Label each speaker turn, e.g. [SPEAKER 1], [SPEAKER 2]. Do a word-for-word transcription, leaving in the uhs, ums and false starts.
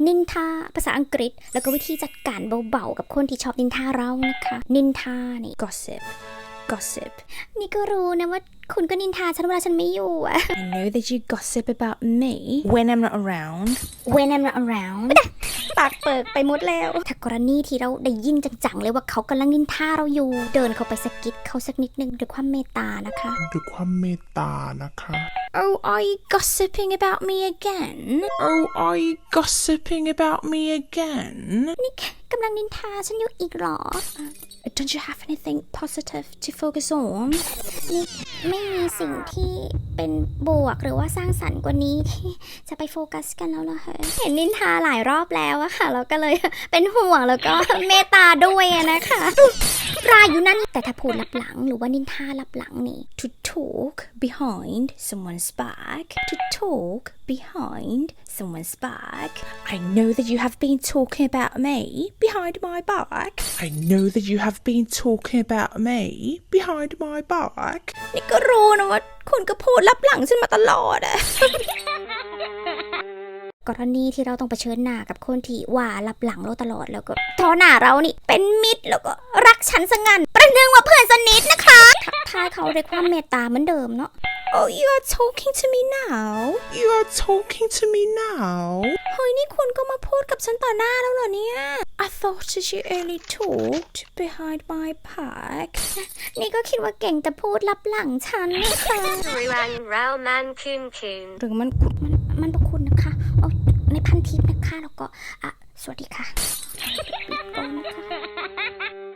[SPEAKER 1] นินทาภาษาอังกฤษแล้วก็วิธีจัดการเบาๆกับคนที่ชอบนินทาเรานะคะนินทานี่ gossip gossip นี่ก็รู้นะว่าคุณก็นินทาฉันเวลาฉันไม่อยู่อะ
[SPEAKER 2] I know that you gossip about me when I'm not around
[SPEAKER 1] when I'm not around ปากเปิกไปหมดแล้วถ้ากรณีที่เราได้ยินจังๆเลยว่าเขากำลังนินทาเราอยู่เดินเข้าไปสะกิดเขาสักนิดนึงด้วยความเมตตานะคะ
[SPEAKER 3] ด้วยความเมตตานะคะ
[SPEAKER 2] Oh are you gossiping about me again
[SPEAKER 3] Oh are you gossiping about me again
[SPEAKER 1] นี่กำลังนินทาฉันอยู่อีกหรอ
[SPEAKER 2] Don't you have anything positive to focus on
[SPEAKER 1] นี่ไม่มีสิ่งที่เป็นบวกหรือว่าสร้างสรรค์กว่านี้ที่จะไปโฟกัสกันแล้วเหรอคะเห็นนินทาหลายรอบแล้วอะค่ะเราก็เลยเป็นห่วงแล้วก็เมตตาด้วยนะคะรายอยู่นั่นแต่ถ้าพูดลับหลังหรือว่านินทาลับหลังนี่
[SPEAKER 2] To talk behind someone's back To talk behind someone's back I know that you have been talking about me behind my back
[SPEAKER 3] I know that you have been talking about me behind my back
[SPEAKER 2] นี่ก็รู้นะว่าคุณก็พูดลับหลังฉันมาตลอดอะ
[SPEAKER 1] กรณีที่เราต้องเผชิญหน้ากับคนที่ว่าลับหลังเราตลอดแล้วก็ทอหน้าเรานี่เป็นมิตรแล้วก็รักฉันสงันประหนึ่งว่าเพื่อนสนิทนะคะทักทายเขาด้วยความเมตตาเหมือนเดิมเนาะ
[SPEAKER 2] Oh you are talking to me now
[SPEAKER 3] You are talking to me now
[SPEAKER 2] เฮ้ยนี่คุณก็มาพูดกับฉันต่อหน้าแล้วเหรอเนี่ย I thought that you only talked behind my back
[SPEAKER 1] นี่ก็คิดว่าเก่งแต่พูดลับหลังฉันนะคะ
[SPEAKER 4] Ruang Rao Man Kun Kun
[SPEAKER 2] หรือมัน
[SPEAKER 1] มันมันประคุณนะคะเอาในพันทิปนะคะแล้วก็อ่ะสวัสดีค่ะปิดก่อนนะคะ